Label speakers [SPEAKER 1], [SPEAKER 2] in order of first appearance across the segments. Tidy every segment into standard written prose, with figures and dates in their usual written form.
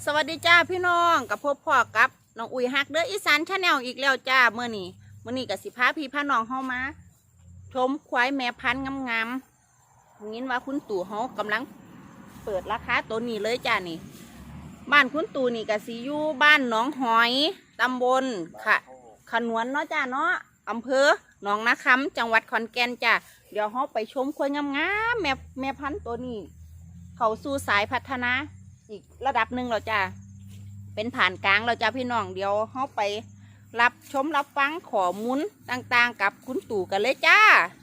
[SPEAKER 1] สวัสดีจ้าพี่น้องกับพ่อกับน้องอุ้ยฮักเด้ออีสานชาแนลอีกแล้วจ้าเมื่อนี้กับสิพาพี่พาน้องเฮามาชมควายแม่พันธุ์งามๆงี้ว่าคุณตู่เฮากำลังเปิดราคาตัวนี้เลยจ้านี่บ้านคุณตู่นี่กับสิอยู่บ้านหนองหอยตำบลขนวนเนาะจ้าเนาะอำเภอหนองนาคำจังหวัดขอนแก่นจ้าเดี๋ยวเฮาไปชมควายงามๆแม่พันธุ์ตัวนี้เขาสู่สายพัฒนาอีกระดับหนึ่งเราจ้าเป็นผ่านกลางเราจ้าพี่น้องเดี๋ยวเขาไปรับชมรับฟังข้อมูลต่างๆกับคุณตู่กันเลยจ้า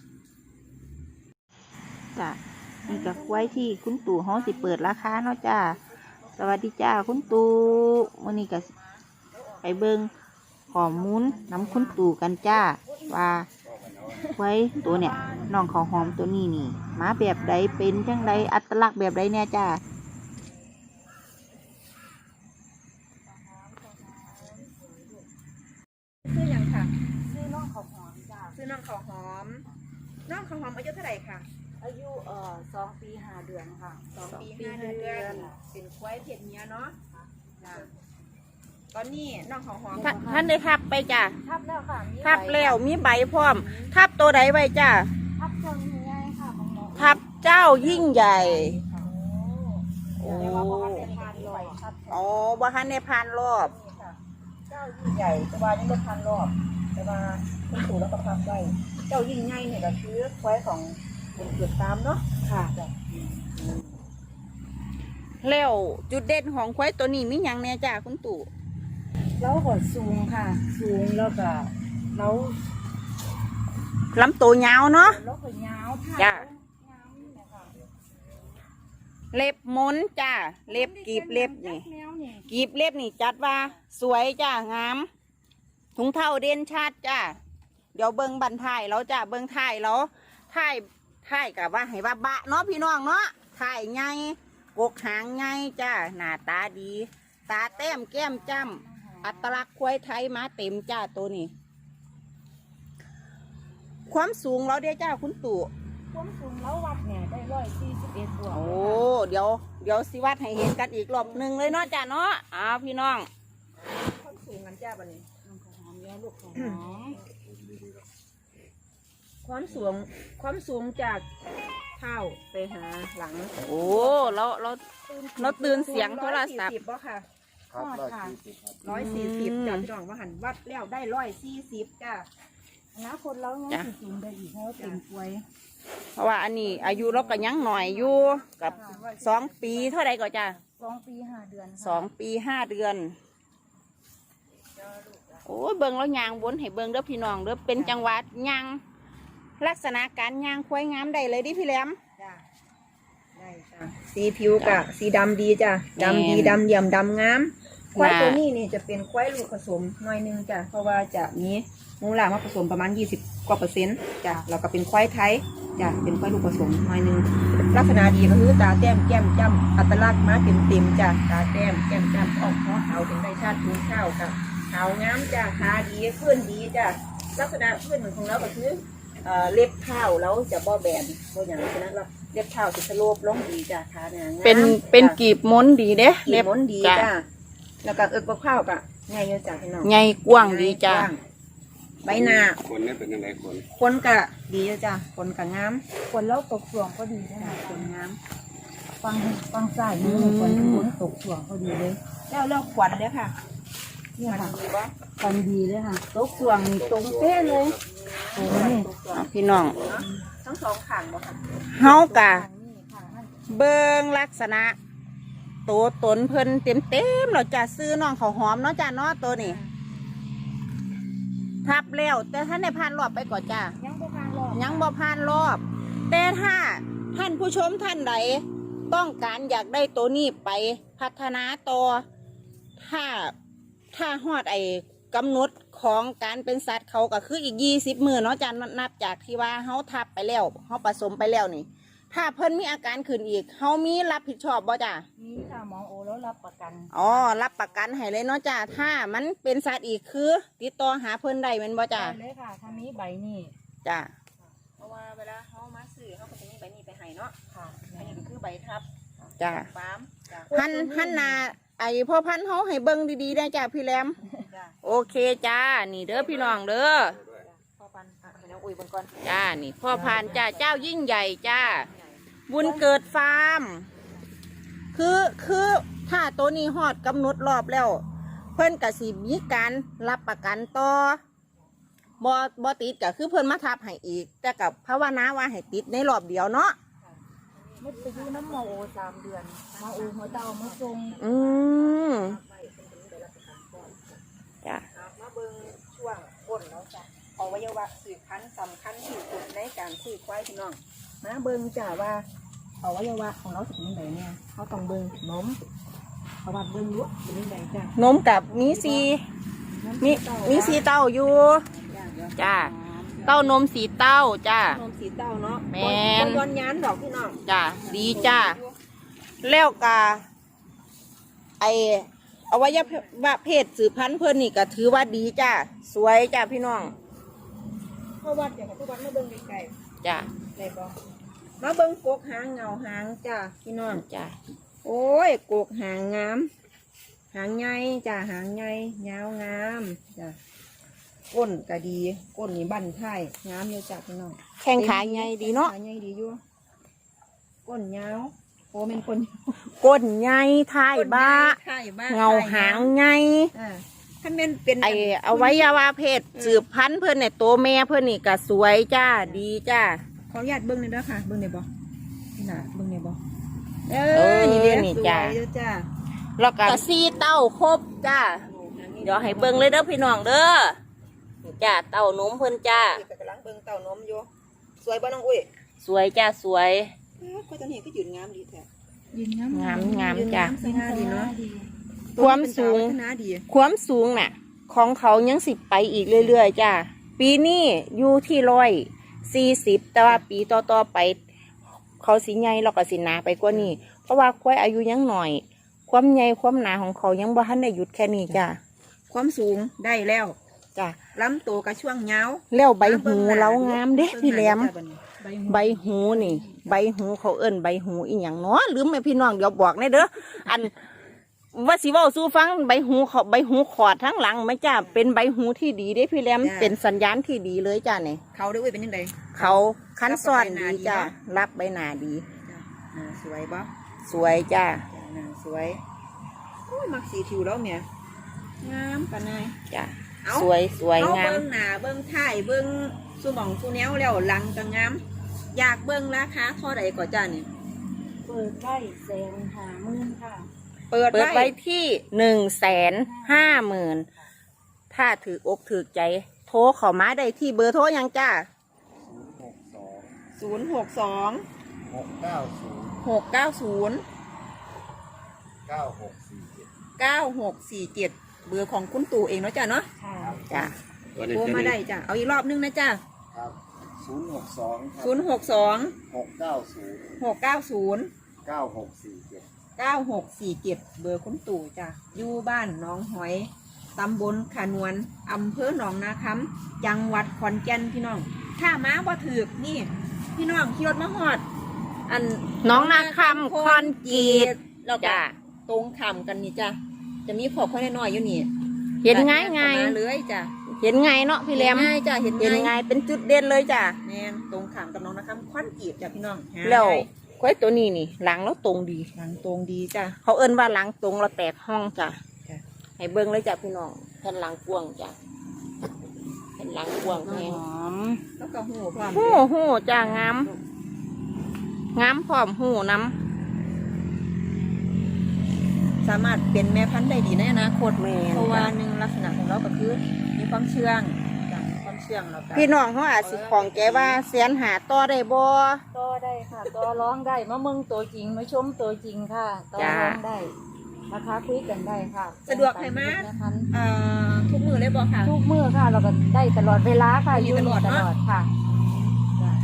[SPEAKER 1] นี่กับไว้ที่คุณตู่เขาสิเปิดราคาเนาะจ้าสวัสดีจ้าคุณตู่วันนี้กับไปเบิ้งข้อมูลน้ำคุณตู่กันจ้าว่าไว้ตัวเนี่ยน้องเขาหอมตัวนี้นี่มาแบบใดเป็นจังใดอัตลักษณ์แบบใดเนี่ยจ้า
[SPEAKER 2] ซื้ออย่างค่ะ
[SPEAKER 1] ซื้อน้องข้าวหอมจ้า
[SPEAKER 2] ซื้อน้องข้าวหอมน้องข้าวหอมอายุเท่าไหร่ค่ะ
[SPEAKER 1] อายุ2 ปี 5 เดือนค่ะ
[SPEAKER 2] 2 ปี 5 เดือนเป็นควายเพศเมียเนาะตอนนี้น้องข้าวหอม
[SPEAKER 1] ท่านได้ทับไปจ้า
[SPEAKER 2] ทับแล้วค่ะ
[SPEAKER 1] ทับแล้วมีใบพร้อมทับตัวใดไว้จ้า
[SPEAKER 2] ทับเจ้ายิ่งใหญ่ค่ะของหมอ
[SPEAKER 1] ทับเจ้ายิ่งใหญ่
[SPEAKER 2] โอ้
[SPEAKER 1] อ๋อบ่ทันในพานรอบ
[SPEAKER 2] เจ้ายิ่งใหญ่แต่ว่านี่ไม่พันรอบแต่ว่าคุณปู่แล้วก็พับไว้เจ้ายิ่งใหญ่เนี่ยก็คือควายของเป็นเกิดตามเนาะ
[SPEAKER 1] ค่ะแล้วจุดเด่นของควายตัวนี้มีหยังแน่จ้าคุณตู่
[SPEAKER 2] แล้วก็สูงค่ะสูงแล้วก็แล้ว
[SPEAKER 1] ลำตัวยาวเนาะ
[SPEAKER 2] แล้วก็ยาว
[SPEAKER 1] จ้าเล็บม้นจ้าเล็บกีบเล็บนี่กีบเล็บนี่จัดว่าสวยจ้างามถุงเท้าเด่นชัดจ้าเดี๋ยวเบิ้งบันท้ายแล้วจ้าเบิ้งท้ายแล้วท้ายกับว่าให้ว่าบะเนาะพี่น้องเนาะท้ายไงกกหางไงจ้าหน้าตาดีตาแต้มแก้มจ้ำอัตลักษณ์ควายไทยมาเต็มจ้าตัวนี้ความสูงเราเด้จ้าคุณตู่
[SPEAKER 2] ความสูงแล้ววัดเนี่ยได้141บวก
[SPEAKER 1] โอ้เดี๋ยวสิวัดให้เห็นกันอีกรอบหนึ่งเลยเนาะจ้าเนาะพี่น้อง
[SPEAKER 2] ความสูงกันจ้าบันนี้น้องข้าวหอมเยอะลูกข้าวหอมความสูงจากเท้าไปหาหลัง
[SPEAKER 1] โอ้เราตื่นเสียงโทรศัพท์
[SPEAKER 2] บ่ค่ะ
[SPEAKER 3] ครับ
[SPEAKER 2] 140จ้าพี่น้องว่าหันวัดแล้วได้140จ้าแล้วคนเรายังสูงได้อีกเพราะเป็นกล้วย
[SPEAKER 1] เพราะว่าอันนี้อายุเราก็ยังหน่อยอยู่กับ2 ปีเท่าไรก็จ้า
[SPEAKER 2] 2 ปี 5 เดือน
[SPEAKER 1] 2 ปี 5 เดือนโอ้เบิ่งแล้วยางวนให้เบิ่งเด้อพี่น้องเด้อเป็นจังหวัดยางลักษณะการยางควายงามได้เลยดิพี่แหลม
[SPEAKER 2] ได้จ้ะสีผิวกะสีดำดีจ้ะดำดีดำเยี่ยมดำงามควายตัวนี้นี่จะเป็นควายลูกผสมหน่อยนึงจ้ะเพราะว่าจะมีมูลค่ามาผสมประมาณ20 กว่า%จ้ะเราก็เป็นควายไทยจ้ะเป็นควายลูกผสมหน่อยนึงลักษณะดีก็คือตาแต้มแก้มจ้ำอัตลักษณ์มาเต็มจ้ะตาแต้มแก้มจ้ำออกคอขาวถึงได้ชาติทูข้าวค่ะขาวงามจ้ะขาดีขึ้นดีจ้ะลักษณะขึ้นของเราก็คือเล็บเท้าแล้วจะบ่แบนบ่อย่างนั้นเราเล็บเท้าจะสโลปลงดีจ้ะขาเนี่ย
[SPEAKER 1] เป็นกีบม้นดีเด้
[SPEAKER 2] เล็บม้นดีจ้ะแล้วก็บข้าวกะไงเยอะจ้ะพี่น้อง
[SPEAKER 1] ไงกว้างดีจ้ะ
[SPEAKER 2] ใบหน้า
[SPEAKER 3] คนนี่เป็นยังไง
[SPEAKER 2] คนกะดีจ้ะคนกะงามคนแล้วตกส่วงก็ดีจ้ะคนงามฟังใส่นี่คนตกส่วงก็ดีเลยแล้วขวัญเลยค่ะเนี่ยค่ะขวัญดีเลยค่ะตกส่วงตรงเป๊ะเลย
[SPEAKER 1] พี่น้อง
[SPEAKER 2] ทั้งสองข้างบ่ค่ะ
[SPEAKER 1] เฮากะเบิ่งลักษณะตัวตนเพิ่นเต็มเราจะซื้อน้องข้าวหอมเนาะจ้าเนาะตัวนี้ทับแล้วแต่ท่านในพานรอบไปก่อนจ้า
[SPEAKER 2] ยังบ่พานรอบ
[SPEAKER 1] แต่ถ้าท่านผู้ชมท่านใดต้องการอยากได้ตัวนี้ไปพัฒนาต่อถ้าฮอดกำหนดของการเป็นสัตว์เขาก็คืออีก20 มื้อเนาะจ้านับจากที่ว่าเขาทับไปแล้วเขาผสมไปแล้วนี่ถ้าเพิ่นมีอาการขึ้นอีกเขามีรับผิดชอบบ่จ้า
[SPEAKER 2] มีค่ะหมอโอแล้วรับประกัน
[SPEAKER 1] รับประกันให้เลยเนาะจ้าถ้ามันเป็นสัตว์อีกคือติดต่อหาเพิ่นได้แม่นบ่จ้า
[SPEAKER 2] ได้เลยค่ะถ้ามีใบนี้
[SPEAKER 1] จ้า
[SPEAKER 2] เพราะว่าเวลาเขามาซื้อเขาก็จะมีใบนี้ไปให้เนาะค่ะอันนี้ก็คือใบทับ
[SPEAKER 1] จ้า
[SPEAKER 2] ฟาร์ม
[SPEAKER 1] หันนาไอพ่อพันธุ์เขาให้เบิ่งดีๆได้จ้าพี่แหลม
[SPEAKER 2] จ้ะ
[SPEAKER 1] โอเคจ้านี่เด้อพี่น้องเด้อ
[SPEAKER 2] พ่อพันธุ์ให้น้องอุ้ยเบิ่งก่อน
[SPEAKER 1] จ้านี่พ่อพันธุ์จ้าเจ้ายิ่งใหญ่จ้าบุญเกิดฟาร์มคือถ้าตัวนี้ฮอดกำหนดรอบแล้ว เพิ่นกสิมีการรับประกันต่อบ่ติดก็คือเพิ่นมาทับให้อีก แต่กับภาวนาว่าให้ติดในรอบเดียวเนาะ
[SPEAKER 3] มุดไปอยู่น้ำหมอโอ3 เดือนมาอูหัวเตามาทรง
[SPEAKER 1] อืมจ้ะ
[SPEAKER 2] มาเบิ่งช่วงก้นแล้วจ้ะอวัยวะสืบพันธุ์สำคัญที่สุดในการซื้อควายพี่น้องมาเบิ่งจ้ะว่าอวัยวะของเราสิเป็นยังไงเนี่ยเขาต้องเบิ่งนมเพราะว่าเบิ่งรู้เป็นยังไงจ้ะ
[SPEAKER 1] นมกับมีมีสีเต้าอยู่จ้าเต้านมสีเต้าจ้าน
[SPEAKER 2] มสีเต้าเนาะ
[SPEAKER 1] แม่น
[SPEAKER 2] ย้อนยานดอกพี่น้อง
[SPEAKER 1] จ้าดีจ้าแล้วกาไออวัยวะเพศสืบพันธุ์เพิ่นนี่ก็ถือว่าดีจ้าสวยจ้าพี่น้อง
[SPEAKER 2] เพราะว่าเดี๋ยวเขาวัดมาเบิ่งไกล
[SPEAKER 1] จ้า
[SPEAKER 2] ๆได้บ่มาเบิ่งกกหางเงาหางจ้ะพี่น้อง
[SPEAKER 1] จ้า
[SPEAKER 2] โอ้ยกกหางงามหางใหญ่จ้ะหางใหญ่ยาวงามจ้ะก้นก็ดีก้นนี่บั้นท้ายงามอยู่จ้ะพี่น้อง
[SPEAKER 1] แข้งขาใหญ่ดีเนาะ
[SPEAKER 2] ขาใหญ่ดีอยู่ก้นยาวโอ้เป็นก้น
[SPEAKER 1] ก้นใหญ่ท้ายบ้า
[SPEAKER 2] ท้ายบ้า
[SPEAKER 1] เงาหางใหญ่
[SPEAKER 2] ถ้าเป็นเป็น
[SPEAKER 1] ไออวัยวะเพศสืบพันธุ์เพิ่นเนี่ยตัวแม่เพิ่นนี่ก็สวยจ้าดีจ้า
[SPEAKER 2] ขออนุญาตเบิ้งหน่อยเด้อค่ะเบิ้งได้บ่นี่น่ะเบิ้งได้บ่เอ
[SPEAKER 1] นี่
[SPEAKER 2] เด้
[SPEAKER 1] นี่
[SPEAKER 2] สวย
[SPEAKER 1] จ้ะ
[SPEAKER 2] เด้อจ้า
[SPEAKER 1] แล้วก็สีเต้าครบจ้าเดี๋ยวให้เบิ่งเลยเด้อพี่น้องเด้อนี่จ้าเต้านมเพิ่นจ้า
[SPEAKER 2] นี่ก็กำลังเบิ้งเต้านมอยู่สวยบ่น้องอุ้ย
[SPEAKER 1] สวยจ้าสวย
[SPEAKER 2] ก็ตอนนี้ก็ยืนงามดีแท้
[SPEAKER 3] ยืนน้ำ
[SPEAKER 1] งามงาม
[SPEAKER 2] ยืน
[SPEAKER 1] จ้า
[SPEAKER 2] สง่าดีเนาะ
[SPEAKER 1] ความสูง
[SPEAKER 2] พัฒนาดี
[SPEAKER 1] ความสูงน่ะ ของเขายังสิไปอีกเรื่อยๆจ้าปีนี้อยู่ที่140แต่ว่าปีต่อๆไป เขาสิใหญ่แล้วก็สิหนาไปกว่านี้ เพราะว่าควายอายุยังหน่อย ความใหญ่ความหนาของเขายังบ่ทันได้หยุดแค่นี้จ้า
[SPEAKER 2] ความสูงได้แล้ว
[SPEAKER 1] จ้า
[SPEAKER 2] ลำตัวกับช่วงยาว
[SPEAKER 1] แล้วใบหูเรางามเด้พี่แหลม
[SPEAKER 2] เบิ่งหน้าจ้ะบัดนี้
[SPEAKER 1] ใบหูนี่ ใบหูเขาเอิ้นใบหูอีหยังเนาะลืมไหมพี่น้องเดี๋ยวบอกแน่เด้ออันว่าสิเว้าสู่ฟังใบหูเขาใบหูขอดทั้งหลังไหมจ้าเป็นใบหูที่ดีเด้พี่แหลมเป็นสัญญาณที่ดีเลยจ้าเนี่ย
[SPEAKER 2] เขาได้อุ้ยเป็นยังไง
[SPEAKER 1] เขาคันซ้อนดีจ้ารับใบหน้าดี
[SPEAKER 2] สวยบ่
[SPEAKER 1] สวยจ้า
[SPEAKER 2] หน้าสวยโอ้ยมักสีผิวแล้วเมียงามปานนาย
[SPEAKER 1] จ้า
[SPEAKER 2] เอ้า
[SPEAKER 1] สวยสวย
[SPEAKER 2] เอา
[SPEAKER 1] งาม
[SPEAKER 2] เบิ้งหน้าเบิ้งท้ายเบิ้งสูหมองสูแนวแล้วหลังก็งาม อยากเบิ้งราคาเท่าใดก่อนจ้านี่
[SPEAKER 3] เปิดได้150,000ค่ะ
[SPEAKER 2] เปิด
[SPEAKER 1] เปิด
[SPEAKER 2] ไว้
[SPEAKER 1] ไว้ที่150,000ถ้าถืออกถือใจ โทรเข้ามาได้ที่เบอร์โทรยังจ้า
[SPEAKER 2] 062
[SPEAKER 4] 690
[SPEAKER 2] 690
[SPEAKER 4] 9647
[SPEAKER 2] 9647 เบอร์ของคุณตู่เองเนาะจ้าเนาะ
[SPEAKER 3] ค่ะ
[SPEAKER 1] จ้า
[SPEAKER 2] โทรมาได้จ้าเอาอีกรอบนึงนะจ้า
[SPEAKER 4] ครับ062ครับ
[SPEAKER 2] 062
[SPEAKER 4] 690
[SPEAKER 2] 690
[SPEAKER 4] 9647
[SPEAKER 2] 9647 เบอร์คุณตู่จ้ะอยู่บ้านหนองหอย ตำบลขานวนอำเภอหนองนาคำจังหวัดขอนแก่นพี่น้อง ถ้ามาบ่ถือกนี่ พี่น้องขี่รถมาหอด อัน
[SPEAKER 1] น้องนาคำคอนกรีต
[SPEAKER 2] แล้วก็
[SPEAKER 1] จ้า
[SPEAKER 2] ตรงขำกันนี่จ้ะจะมีขอบข้อน้อยๆอยู่นี่
[SPEAKER 1] เห็นง่าย
[SPEAKER 2] เข้
[SPEAKER 1] ง่าย
[SPEAKER 2] มาเลยจ้ะ
[SPEAKER 1] เห็นง่ายเนาะพี่แหลม
[SPEAKER 2] เห็นง่ายจ้ะเห็น
[SPEAKER 1] เห็น
[SPEAKER 2] ง่าย
[SPEAKER 1] ง่ายเป็นจุดเด่นเลยจ้า
[SPEAKER 2] แม่นตรงขำกับน้องนาคำคอนกรีตจ้ะพี่น้องหา
[SPEAKER 1] แล้ว
[SPEAKER 2] ง่าย
[SPEAKER 1] ควายตัวนี้นี่หลังแล้วตรงดี
[SPEAKER 2] ทางตรงดีจ้ะ
[SPEAKER 1] เขาเอิ้นว่าหลังตรงเราแตกห้องจ้ะ
[SPEAKER 2] จ้ะ
[SPEAKER 1] ให้เบิ้งเลยจ้ะพี่น้องแผ่นหลังกวางจ้ะแผ่นหลังกวางแพง
[SPEAKER 2] แล้วก็หูพร้อม
[SPEAKER 1] หูจ้างามงามพร้อมหูน้
[SPEAKER 2] สามารถเป็นแม่พันธุ์ได้ดีในอนาคต
[SPEAKER 1] ำแม่
[SPEAKER 2] เพราะว่าหนึ่งลักษณะของเราก็คือมีความเชื่องจ้ะมีความเชื่องแล้วก็
[SPEAKER 1] พี่น้องเขาอาจสิของแกว่าเสียนหาต่อได้บ่
[SPEAKER 3] ต่อได้ค่ะต่อร้องได้มาเมืองตัวจริงมาชมตัวจริงค่ะต่อร้องได้ราคาคุยกันได้ค่ะ
[SPEAKER 2] สะดวกให้มา
[SPEAKER 3] นะคะ
[SPEAKER 2] ทุกมือเลยบอกค่ะ
[SPEAKER 3] ทุกมื้อค่ะ เราก็ได้ตลอดเวลาค่ะ
[SPEAKER 2] มี
[SPEAKER 3] อยู่
[SPEAKER 2] ตลอด
[SPEAKER 3] ต
[SPEAKER 2] เนอะ
[SPEAKER 3] ลอดค่ะจ้ะ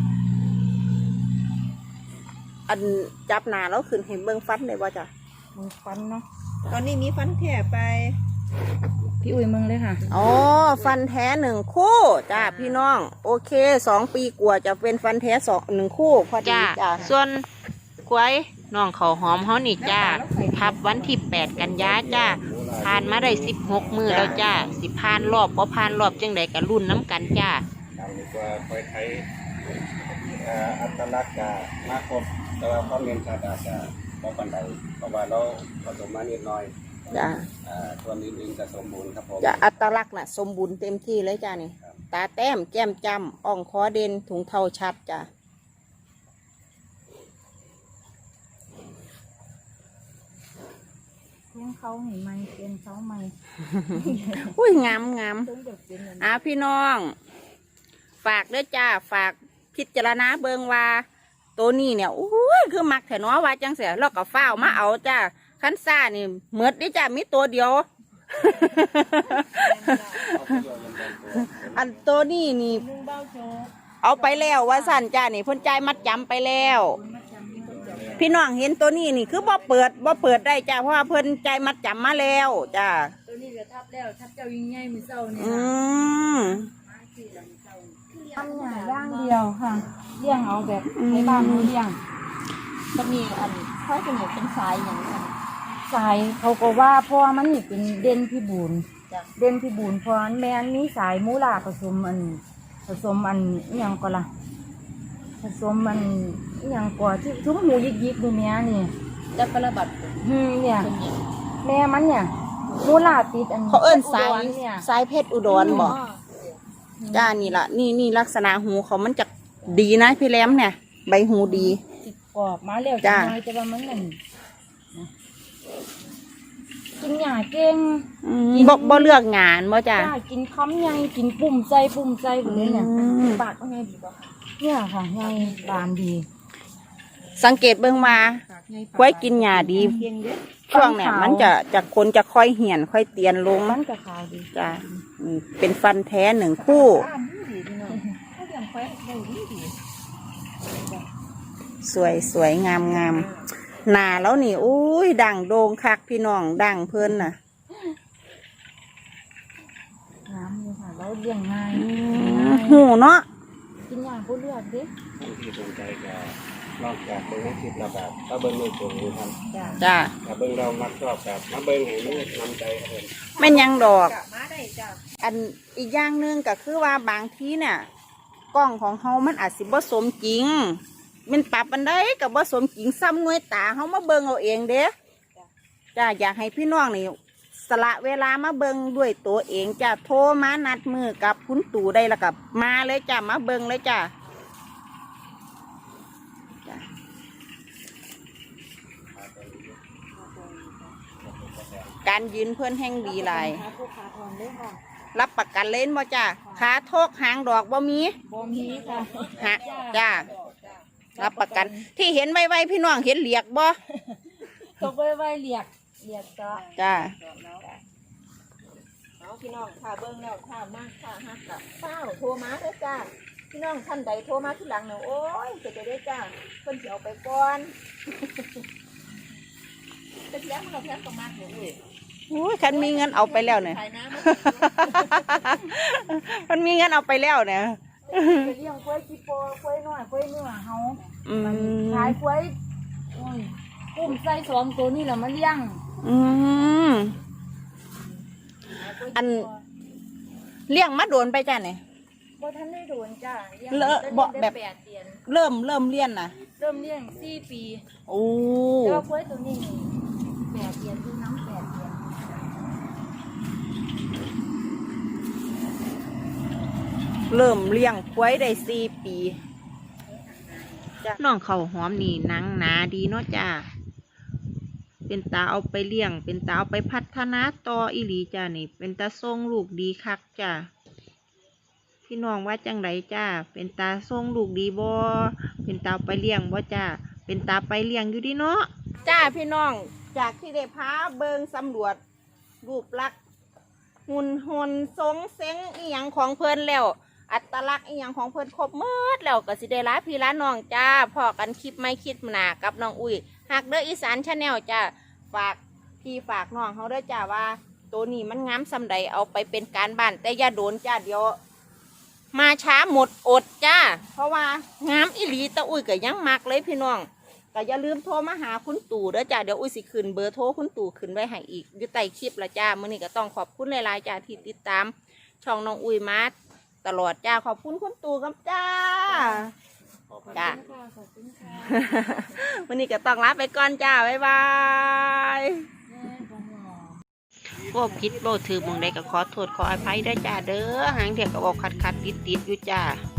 [SPEAKER 1] อันจับหนาแล้วขึ้นเห็นเบิ้งฟันได้บ่จ้ะ
[SPEAKER 3] มึงฟันเนาะ
[SPEAKER 2] ตอนนี้มีฟันแถไป
[SPEAKER 3] พี่อุ้ยมึงเลยค่ะ
[SPEAKER 1] อ๋อฟันแท้1 คู่จ้าพี่น้อง โอเค2 ปีกว่าจะเป็นฟันแท้1 คู่พอดีจ้าส่วนควายน้องเขาวหอมเฮานี่จ้าทับวันที่8 กันยาจ้าผ่านมาได้16 มื้อแล้วจ้าสิผ่านรอบบ่ผ่านรอบจังใดก็รุ่นน้ำกันจ้า
[SPEAKER 4] ดังดีกว่าควายไทยอัตลักษณ์กับมาครบแต่ว่าความเรียนชาติอาจจะบ่ปานใดเพราะว่าเราผสมมานิดหน่อย
[SPEAKER 1] จ้า
[SPEAKER 4] ส่วนอื่นๆจะสมบูรณ์ครับผม
[SPEAKER 1] จะอัตลักษณ์น่ะสมบูรณ์เต็มที่เลยจ้านี่ตาแต้มแก้มจำอ่องคอเด่นถุงเท้าชัดจ้า
[SPEAKER 3] เลี้ยงเขาเห็นไหมเป็นเขาไหม
[SPEAKER 1] อุ้ยงามงาม
[SPEAKER 3] ต้องเด็กเป็นอย่างนี้
[SPEAKER 1] พี่น้อง ฝากเด้อจ้าฝากพิจารณาเบิงว่าตัวนี้เนี่ยอุ้ยคือมักแถนอว่าจังเสียแล้วก็ฟ้าวมาเอาจ้าคันซ่านี่เมิดดิจ้ามีตัวเดียว อันตัวนี้นี่
[SPEAKER 3] ลุงเบ้าโชว์
[SPEAKER 1] เอาไปแล้วว่าสั่นจ้านี่เพ่นใจายมัดจำไปแล้ว
[SPEAKER 3] มาจำนี่คนจำ
[SPEAKER 1] พี่น้องเห็นตัวนี้นี่คือบ่เปิดได้จ้าเพราะว่าเพิ่นใจายมัดจำมาแล้วจ้า
[SPEAKER 3] ตัวนี้ก็ทับแล้วทับเจ้ายิ่งใหญ่มือเศร้าเนี่ย
[SPEAKER 1] อืม
[SPEAKER 3] ทำหน่าย่างเดียวค่ะเลี้ยงเอาแบบในบ้านเลี้ยงจะมีอันค่อยเป็นอย่างเป็นสายอย่างนี้สายเขาก็ว่าเพราะว่ามันนี่เป็นเด่นพิบูลเด่นพิบูลเพราะแม่นมีสายมูลาผสมอันอหยังก็ล่ะผสมอันอหยังกว่าที่ทุ่มหูยิกๆดูแม่นี่
[SPEAKER 1] จะประบัด
[SPEAKER 3] เนี่ยแม่มันเนี่ยมูลาติดอัน
[SPEAKER 1] เขาเอิ้นสาย
[SPEAKER 3] อุดรเนี่ย
[SPEAKER 1] สายเพชรอุดรบ่จ้านี่ล่ะนี่ลักษณะหูเขามันจะดีนะพี่แหลมเนี่ย ใบหูดี
[SPEAKER 3] ติดกรอบมาแล้ว
[SPEAKER 1] จ้ะ
[SPEAKER 3] จังเลยแต่ว่ามันนั่นนะกินหญ้าเก่ง
[SPEAKER 1] บ่เลือกงานบ่จ้า
[SPEAKER 3] จ้ากินคำใหญ่กินปุ่มใจแบบนี้เนี่ย
[SPEAKER 1] อืม
[SPEAKER 3] ปากก็ไงดีบ่คะเนี่ยค่ะไงบานดี
[SPEAKER 1] สังเกตเบิ่งมาควายกินหญ้าดี
[SPEAKER 3] เพียงเด้อ
[SPEAKER 1] ช่วงเนี่ยมันจะคนจะค่อยเหี่ยนค่อยเตียนลง
[SPEAKER 3] มันก็ขาวดี
[SPEAKER 1] จ้าเป็นฟันแท้1 คู่
[SPEAKER 3] อ่านดีพี่น้องเขาเลี้ยงควายได้ดี
[SPEAKER 1] สวยงามหน้าแล้วนี่อุ้ยดังโด่งคักพี่น้องดังเพิ่นน่ะ
[SPEAKER 3] น้ำเลยค่ะแล้วเลี้ยงง่าย
[SPEAKER 1] หูเนาะ
[SPEAKER 3] กินหญ้าผู้เลือดเด้
[SPEAKER 4] ท่านที่สนใจก็นอกจากเบิ่งในคลิปแล้วแบบก็เบิ่งในตัวนี้ครับ
[SPEAKER 3] จ้า
[SPEAKER 1] จ้า
[SPEAKER 4] ถ้าเบิ่งเรามักชอบแบบมาเบิ่งให้มันนำใจครับผม
[SPEAKER 1] แม่นยังดอก
[SPEAKER 2] มาได้จ้ะ
[SPEAKER 1] อันอีกอย่างหนึ่งก็คือว่าบางทีเนี่ยกล้องของเฮามันอาจสิบ่สมจริงมันปรับอันใดก็บ่สมจริงซ้ำหน่วยตาเฮามาเบิ่งเอาเองเด้จ้าอยากให้พี่น้องนี่สละเวลามาเบิ่งด้วยตัวเองจ้าโทรมานัดมือกับคุณตู่ได้แล้วกับมาเลยจ้ามาเบิ่งเลยจ้าจ้าการยืนเพื่อนแห่งดีหลาย
[SPEAKER 3] ขาผู้ขาทอนเด้อค่ะ
[SPEAKER 1] รับประกันเล่นบ่จ้าขาโทกหางดอกบ่มี
[SPEAKER 3] บ่มีค่ะ
[SPEAKER 1] ฮะจ้ารับประกัน ที่เห็นไวๆพี่น้องเห็นเหลียกบ่
[SPEAKER 3] ตกไว้เรียกก็
[SPEAKER 1] จ้า
[SPEAKER 2] เอาพี่น้องค่ะเบิ่งแล้วค่ะมากค่ะฮักกะเป้าโทรมาเด้อจ้าพี่น้องท่านใดโทรมาที่หลังเนี่ยโอ้ยจะได้จ้าเพิ่นสิเอาไปก่อนจะเลี้ยงมันเอาแพงประมาณนี้เลย
[SPEAKER 1] อุ้ยคันมีเงินเอาไปแล้วเนี่ย
[SPEAKER 2] ขายน้ำ
[SPEAKER 1] มันมีเงินเอาไปแล้วเนี่ย
[SPEAKER 3] ไปเลี้ยงควายกี่โปควายน้อยควายเนื้อเฮา
[SPEAKER 1] อืม
[SPEAKER 3] ขายควายโอ้ยกุ้มใส่2 ตัวนี่แหละมาเลี้ยง
[SPEAKER 1] อืมอันเลี้ยงมาโดนไปจ้าเนี่ย
[SPEAKER 3] บ่ทันได้โดนจ้าเลี้ยง
[SPEAKER 1] เลอะบ่แบบ
[SPEAKER 3] ได้8 เดือน
[SPEAKER 1] เริ่มเลี้ยนนะ
[SPEAKER 3] เริ่มเลี้ยง4 ปี
[SPEAKER 1] โอ้
[SPEAKER 3] แต่ว่าควายตัวนี้8 เดือนคือน้ำ8 เดือน
[SPEAKER 1] เริ่มเลี้ยงควายได้4 ปีจ้าน้องเขาหอมนี่หนังหนาดีเนาะจ้าเป็นตาเอาไปเลี้ยง เป็นตาเอาไปพัฒนาต่ออีหลีจ้านี่ เป็นตาทรงลูกดีคักจ้าพี่น้องว่าจังไรจ้าเป็นตาทรงลูกดีบ่เป็นตาเอาไปเลี้ยงบ่จ้าเป็นตาไปเลี้ยงอยู่ดีเนาะจ้าพี่น้องจากที่ได้พาเบิงสำรวจรูปลักษณ์หุ่นทรงเซ็งอีหยังของเพิ่นแล้ว อัตลักษณ์อีหยังของเพิ่นครบหมดแล้วก็สิได้ลาพี่ลาน้องจ้าพอกันคลิปไม่คิดหนากับน้องอุ้ยหักเด้ออีสานชาแนลจ้าฝากพี่ฝากน้องเขาเด้อจ้าว่าตัวนี้มันงามซำใดเอาไปเป็นการบ้านแต่อย่าโดนจ้าเดี๋ยวมาช้าหมดอดจ้าเพราะว่างามอีหลีตะอุ้ยก็ยังมักเลยพี่น้องก็อย่าลืมโทรมาหาคุณตู่เด้อจ้าเดี๋ยวอุ้ยสิขึ้นเบอร์โทรคุณตู่ขึ้นไว้ให้อีกอยู่ใต้คลิปละจ้ามื้อนี้ก็ต้องขอบคุณหลายๆจ้าที่ติดตามช่องน้องอุ้ยมาตลอดจ้าขอบคุณคุณตู่กับจ้าจ้า
[SPEAKER 3] ขอบคุณค่ะ
[SPEAKER 1] วันนี้ก็ต้องลาไปก่อนจ้าบ๊ายบายโอ้ผิดโบถือหมองใดก็ขอโทษขออภัยด้วยจ้าเด้อหางเถียก็บอกขัดติดอยู่จ้า